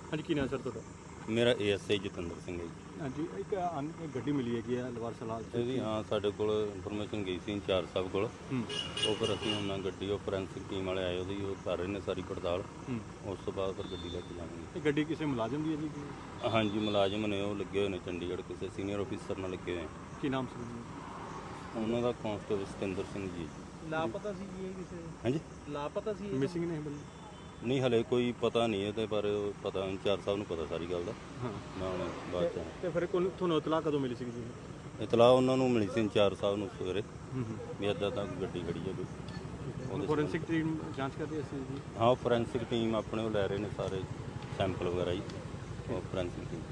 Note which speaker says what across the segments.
Speaker 1: ਹਾਂਜੀ ਕੀ ਨਾਮ ਸਰ ਤੁਹਾਡਾ?
Speaker 2: ਮੇਰਾ ASI ਜਤਿੰਦਰ ਸਿੰਘ ਹੈ ਜੀ।
Speaker 1: ਹਾਂਜੀ ਇੱਕ ਗੱਡੀ ਮਿਲੀ ਹੈਗੀ ਹੈ ਲਵਾਰ ਸਲਾਲ
Speaker 2: ਇਹਦੀ ਹਾਂ ਸਾਡੇ ਕੋਲ ਇਨਫੋਰਮੇਸ਼ਨ ਗਈ ਸੀ ਇੰਚਾਰਜ ਸਾਹਿਬ ਕੋਲ। ਉਹ ਫਿਰ ਅਸੀਂ ਉਹਨਾਂ ਗੱਡੀ ਉਹ ਫੋਰੈਂਸਿਕ ਟੀਮ ਵਾਲੇ ਆਏ ਉਹਦੀ ਉਹ ਕਰ ਰਹੇ ਨੇ ਸਾਰੀ ਪੜਤਾਲ। ਉਸ ਤੋਂ ਬਾਅਦ ਫਿਰ ਗੱਡੀ ਲੈ ਕੇ ਜਾਵਾਂਗੇ।
Speaker 1: ਇਹ ਗੱਡੀ ਕਿਸੇ ਮੁਲਾਜ਼ਮ ਦੀ ਹੈ ਜੀ?
Speaker 2: ਹਾਂਜੀ ਮੁਲਾਜ਼ਮ ਨੇ, ਉਹ ਲੱਗੇ ਹੋਏ ਨੇ ਚੰਡੀਗੜ੍ਹ ਕਿਸੇ ਸੀਨੀਅਰ ਆਫੀਸਰ ਨਾਲ ਲੱਗੇ ਹੋਏ।
Speaker 1: ਕੀ ਨਾਮ ਸੀ
Speaker 2: ਉਹਨਾਂ ਦਾ ਕਾਂਸਟੇਬਲ ਸਤਿੰਦਰ ਸਿੰਘ ਜੀ।
Speaker 1: ਲਾਪਤਾ ਸੀ ਜੀ ਇਹ ਕਿਸੇ?
Speaker 2: ਹਾਂਜੀ
Speaker 1: ਲਾਪਤਾ ਸੀ, ਮਿਸਿੰਗ ਨੇ ਬੰਦੇ?
Speaker 2: ਨਹੀਂ ਹਲੇ ਕੋਈ ਪਤਾ ਨਹੀਂ ਇਹਦੇ ਬਾਰੇ, ਪਤਾ ਇੰਚਾਰਜ ਸਾਹਿਬ ਨੂੰ ਪਤਾ ਸਾਰੀ ਗੱਲ ਦਾ।
Speaker 1: ਹਾਂ
Speaker 2: ਮੈਂ ਹੁਣ ਬਾਅਦ ਚ
Speaker 1: ਤੇ ਫਿਰ ਤੁਹਾਨੂੰ ਇਤਲਾਹ ਕਦੋਂ ਮਿਲੀ ਸੀ ਜੀ?
Speaker 2: ਇਤਲਾਹ ਉਹਨਾਂ ਨੂੰ ਮਿਲੀ ਸੀ ਇੰਚਾਰਜ ਸਾਹਿਬ ਨੂੰ ਸਵੇਰੇ ਵੀ ਇੱਦਾਂ ਤਾਂ ਗੱਡੀ ਖੜੀ ਹੈ ਕੋਈ।
Speaker 1: ਫੋਰੈਂਸਿਕ ਟੀਮ ਜਾਂਚ ਕਰ ਰਹੀ ਸੀ ਜੀ?
Speaker 2: ਹਾਂ ਫੋਰੈਂਸਿਕ ਟੀਮ ਆਪਣੇ ਉਹ ਲੈ ਰਹੇ ਨੇ ਸਾਰੇ ਸੈਂਪਲ ਵਗੈਰਾ ਜੀ। ਉਹ ਫੋਰੈਂਸਿਕ ਟੀਮ।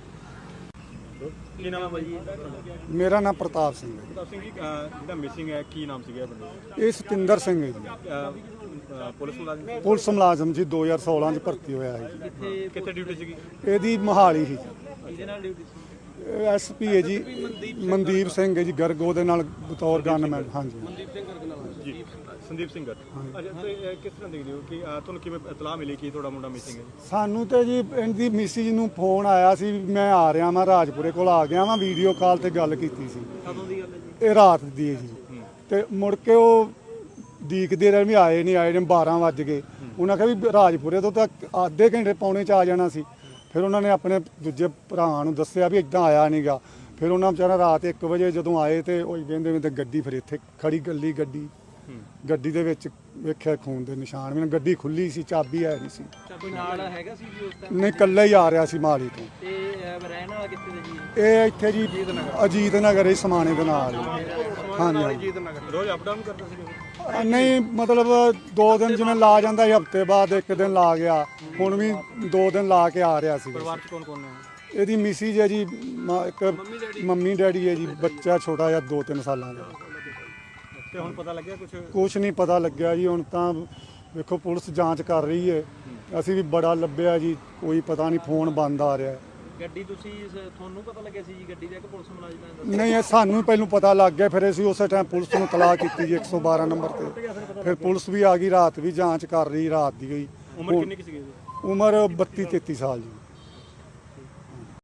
Speaker 1: ਕੀ ਨਾਮ ਹੈ ਭਾਈ?
Speaker 3: ਮੇਰਾ ਨਾਮ ਪ੍ਰਤਾਪ ਸਿੰਘ ਹੈ।
Speaker 1: ਪ੍ਰਤਾਪ ਸਿੰਘ ਜੀ ਜਿਹੜਾ ਮਿਸਿੰਗ ਹੈ ਕੀ ਨਾਮ ਸੀਗਾ ਬੰਦੇ ਦਾ?
Speaker 3: ਇਹ ਸਤਿੰਦਰ ਸਿੰਘ ਹੈ ਜੀ।
Speaker 1: ਪੁਲਿਸ ਮੁਲਾਜ਼ਮ?
Speaker 3: ਪੁਲਿਸ ਮੁਲਾਜ਼ਮ ਜੀ 2016 ਚ ਭਰਤੀ ਹੋਇਆ ਹੈ ਜੀ।
Speaker 1: ਕਿੱਥੇ ਡਿਊਟੀ ਸੀਗੀ?
Speaker 3: ਇਹਦੀ ਮੋਹਾਲੀ ਸੀ।
Speaker 1: ਕਿਹਦੇ ਨਾਲ ਡਿਊਟੀ ਸੀ?
Speaker 3: SP ਹੈ ਜੀ ਮਨਦੀਪ ਸਿੰਘ ਹੈ ਜੀ ਗਰਗ, ਉਹਦੇ ਨਾਲ ਬਤੌਰ ਗਨਮੈਨ। ਹਾਂਜੀ
Speaker 1: ਮਨਦੀਪ ਸਿੰਘ ਗਰਗ ਨਾਲ ਜੀ। ਸੰਦੀਪ ਸਿੰਘ ਗਰਗ। ਅੱਛਾ ਤੇ ਕਿਸ ਤਰ੍ਹਾਂ ਦੇਖਦੇ ਹੋ ਕਿ ਤੁਹਾਨੂੰ ਕਿਵੇਂ ਇਤਲਾਹ ਮਿਲੀ ਕਿ ਤੁਹਾਡਾ ਮੁੰਡਾ ਮਿਸਿੰਗ ਹੈ?
Speaker 3: ਸਾਨੂੰ ਤੇ ਜੀ ਇਹਦੀ ਮਿਸਿਜ ਨੂੰ ਫੋਨ ਆਇਆ ਸੀ ਵੀ ਮੈਂ ਆ ਰਿਹਾ ਮੈਂ ਰਾਜਪੁਰੇ ਕੋਲ ਆ ਗਿਆ ਵਾਂ, ਵੀਡੀਓ ਕਾਲ ਤੇ ਗੱਲ ਕੀਤੀ ਸੀ।
Speaker 1: ਕਦੋਂ ਦੀ ਗੱਲ ਹੈ ਜੀ?
Speaker 3: ਇਹ ਰਾਤ ਦੀ ਹੈ ਜੀ। ਤੇ ਮੁੜ ਕੇ ਉਹ ਦੀਕਦੇ ਰਹੇ ਵੀ ਆਏ ਨਹੀਂ, ਆਏ ਨੇ 12 ਵੱਜ ਗਏ। ਉਹਨਾਂ ਕਿਹਾ ਵੀ ਰਾਜਪੁਰੇ ਤੋਂ ਤਾਂ ਅੱਧੇ ਘੰਟੇ ਪੌਣੇ ਚ ਆ ਜਾਣਾ ਸੀ। ਫਿਰ ਉਹਨਾਂ ਨੇ ਆਪਣੇ ਦੂਜੇ ਭਰਾ ਨੂੰ ਦੱਸਿਆ ਵੀ ਇੱਦਾਂ ਆਇਆ ਨਹੀਂਗਾ। ਫਿਰ ਉਹਨਾਂ ਵਿਚਾਰਾ ਰਾਤ 1 ਵਜੇ ਜਦੋਂ ਆਏ ਤੇ ਉਹ ਕਹਿੰਦੇ ਵੀ ਤੇ ਗੱਡੀ ਫਿਰ ਇੱਥੇ ਖੜੀ ਗੱਲੀ ਗੱਡੀ ਦੇ ਵਿੱਚ ਵੇਖਿਆ ਖੂਨ ਦੇ ਨਿਸ਼ਾਨ ਵੀ। ਗੱਡੀ ਖੁੱਲੀ ਸੀ, ਚਾਬੀ ਹੈ ਨਹੀਂ ਸੀ।
Speaker 1: ਚਾਬੀ ਨਾਲ ਹੈਗਾ ਸੀ ਜੀ ਉਸ ਟਾਈਮ?
Speaker 3: ਨਹੀਂ ਇਕੱਲਾ ਹੀ ਆ ਰਿਹਾ ਸੀ ਮਾਲੀ ਤੋਂ।
Speaker 1: ਤੇ ਰਹਿਣ ਵਾਲਾ ਕਿੱਥੇ ਦਾ ਜੀ?
Speaker 3: ਇਹ ਇੱਥੇ ਜੀ ਅਜੀਤ ਨਗਰ ਹੀ ਸਮਾਣੇ ਦੇ ਨਾਲ। ਹਾਂਜੀ
Speaker 1: ਅਜੀਤ ਨਗਰ। ਰੋਜ਼ ਅਪ ਡਾਊਨ ਕਰਦਾ ਸੀ?
Speaker 3: ਨਹੀਂ ਮਤਲਬ 2 ਦਿਨ ਜਿਵੇਂ ਲਾ ਜਾਂਦਾ ਸੀ, ਹਫਤੇ ਬਾਅਦ 1 ਦਿਨ ਲਾ ਗਿਆ। ਹੁਣ ਵੀ 2 ਦਿਨ ਲਾ ਕੇ ਆ ਰਿਹਾ ਸੀ।
Speaker 1: ਪਰਿਵਾਰ ਚ ਕੌਣ ਕੌਣ ਹੈ?
Speaker 3: ਇਹਦੀ ਮਿਸਿਜ ਹੈ ਜੀ, ਇੱਕ ਮੰਮੀ ਡੈਡੀ ਹੈ ਜੀ, ਬੱਚਾ ਛੋਟਾ ਜਿਹਾ 2-3 ਸਾਲਾਂ ਦਾ।
Speaker 1: ਤੇ ਹੁਣ ਪਤਾ ਲੱਗਿਆ
Speaker 3: ਕੁਛ ਨਹੀਂ ਪਤਾ ਲੱਗਿਆ ਜੀ। ਹੁਣ ਤਾਂ ਵੇਖੋ ਪੁਲਿਸ ਜਾਂਚ ਕਰ ਰਹੀ ਹੈ। ਅਸੀਂ ਵੀ ਬੜਾ ਲੱਭਿਆ ਜੀ, ਕੋਈ ਪਤਾ ਨਹੀਂ, ਫੋਨ ਬੰਦ ਆ ਰਿਹਾ।
Speaker 1: ਗੱਡੀ ਤੁਹਾਨੂੰ ਪਤਾ ਲੱਗਿਆ ਸੀ ਜੀ ਗੱਡੀ ਦਾ ਕਿ ਪੁਲਿਸ ਮੁਲਾਜ਼ਮ ਦਾ?
Speaker 3: ਨਹੀਂ ਇਹ ਸਾਨੂੰ ਪਹਿਲਾਂ ਪਤਾ ਲੱਗ ਗਿਆ। ਫਿਰ ਅਸੀਂ ਉਸੇ ਟਾਈਮ ਪੁਲਿਸ ਨੂੰ ਇਤਲਾਹ ਕੀਤੀ ਜੀ 112 ਨੰਬਰ ਤੇ। ਫਿਰ ਪੁਲਿਸ ਵੀ ਆ ਗਈ, ਰਾਤ ਵੀ ਜਾਂਚ ਕਰ ਰਹੀ, ਰਾਤ ਦੀ ਗਈ।
Speaker 1: ਉਮਰ ਕਿੰਨੀ ਕੁ ਸੀਗੀ?
Speaker 3: ਉਮਰ 32-33 ਸਾਲ ਜੀ।